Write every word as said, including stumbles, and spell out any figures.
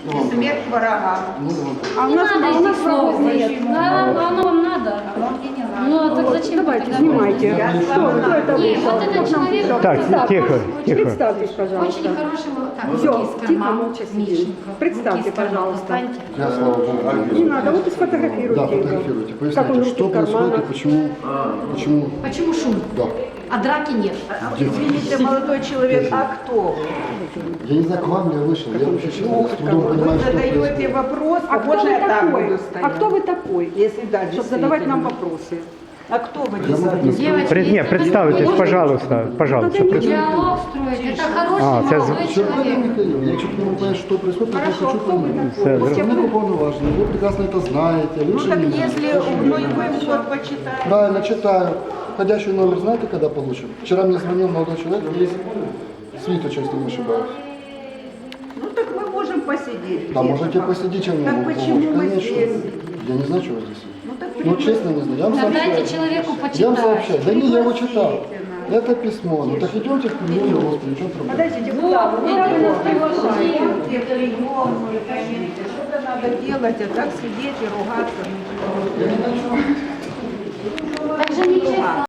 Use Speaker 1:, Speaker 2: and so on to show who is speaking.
Speaker 1: И смерть врагам.
Speaker 2: А у
Speaker 3: Не
Speaker 2: нас,
Speaker 3: надо
Speaker 2: а у нас
Speaker 3: этих слов.
Speaker 2: врагов нет.
Speaker 3: А оно вам надо? Ну, а так зачем?
Speaker 2: Давайте,
Speaker 3: тогда?
Speaker 2: снимайте. Кто, вы? Кто это
Speaker 3: Нет,
Speaker 2: вышел?
Speaker 3: вот этот человек...
Speaker 4: Так, тихо, тихо.
Speaker 2: Представьтесь,
Speaker 3: Очень
Speaker 2: пожалуйста.
Speaker 3: хороший, так,
Speaker 2: Все,
Speaker 3: руки из
Speaker 2: тихо,
Speaker 3: кармана,
Speaker 2: молча сидите.
Speaker 3: Мищенко.
Speaker 2: Представьте,
Speaker 3: Руки из кармана
Speaker 2: пожалуйста.
Speaker 3: достаньте.
Speaker 5: Я, слава Богу.
Speaker 2: Не надо, вот и сфотографируйте
Speaker 5: Да,
Speaker 2: его.
Speaker 5: фотографируйте.
Speaker 2: Как он
Speaker 5: Поясните,
Speaker 2: руки
Speaker 5: что
Speaker 2: в
Speaker 5: происходит и
Speaker 2: карманах.
Speaker 5: почему, почему,
Speaker 3: Почему шум?
Speaker 5: да.
Speaker 3: А драки нет.
Speaker 1: Извините, молодой человек, а кто вы?
Speaker 5: Я не знаю, к вам я вышел, я вообще человек с трудом
Speaker 1: Вы
Speaker 5: понимаю, что
Speaker 1: задаете
Speaker 5: происходит.
Speaker 1: вопрос,
Speaker 2: А кто
Speaker 1: можно
Speaker 2: вы
Speaker 1: я так
Speaker 2: такой?
Speaker 1: буду стоять?
Speaker 2: А кто вы такой?
Speaker 1: Если да,
Speaker 2: Чтобы задавать нам
Speaker 1: действительно.
Speaker 2: вопросы.
Speaker 1: А кто вы,
Speaker 5: Я могу
Speaker 1: действительно?
Speaker 3: Девочки,
Speaker 4: Пред- не, представитесь, пожалуйста, пожалуйста.
Speaker 2: Надо не
Speaker 4: пред-
Speaker 3: диалог строить. Это хороший
Speaker 4: А, це
Speaker 3: молодой
Speaker 5: Черканя
Speaker 3: человек.
Speaker 5: Михаил, я чуть не могу понять, что происходит, потому что
Speaker 2: Хорошо,
Speaker 5: хочу
Speaker 2: кто вы
Speaker 5: понять.
Speaker 4: Це
Speaker 2: такой?
Speaker 4: зр-
Speaker 5: Вы уполноважены, вы прекрасно это знаете,
Speaker 1: Ну
Speaker 5: лучше
Speaker 1: так
Speaker 5: меня.
Speaker 1: если, ну и вы все почитаете.
Speaker 5: Правильно, читаю. Входящий номер знаете, когда получим? Вчера мне звонил молодой человек из Свиточа, если не ошибаюсь.
Speaker 1: Ну так мы можем посидеть.
Speaker 5: Да, можете посидеть, чем я
Speaker 1: Так
Speaker 5: могу
Speaker 1: почему
Speaker 5: помочь.
Speaker 1: мы
Speaker 5: Конечно.
Speaker 1: здесь?
Speaker 5: Я не знаю, что вы здесь.
Speaker 1: Ну так
Speaker 5: Ну, честно, не знаю. Я вам
Speaker 3: Да
Speaker 5: сообщаю.
Speaker 3: дайте человеку
Speaker 5: Я вам
Speaker 3: почитать.
Speaker 5: сообщаю. Да не, я его читал. Это письмо. Ну так идемте к премьеру, господи, в чем проблема?
Speaker 2: Подождите, куда вы? Куда вы нас приглашаете?
Speaker 1: Где прием, что-то надо делать, а так сидеть и ругаться.
Speaker 3: Так же нечестно.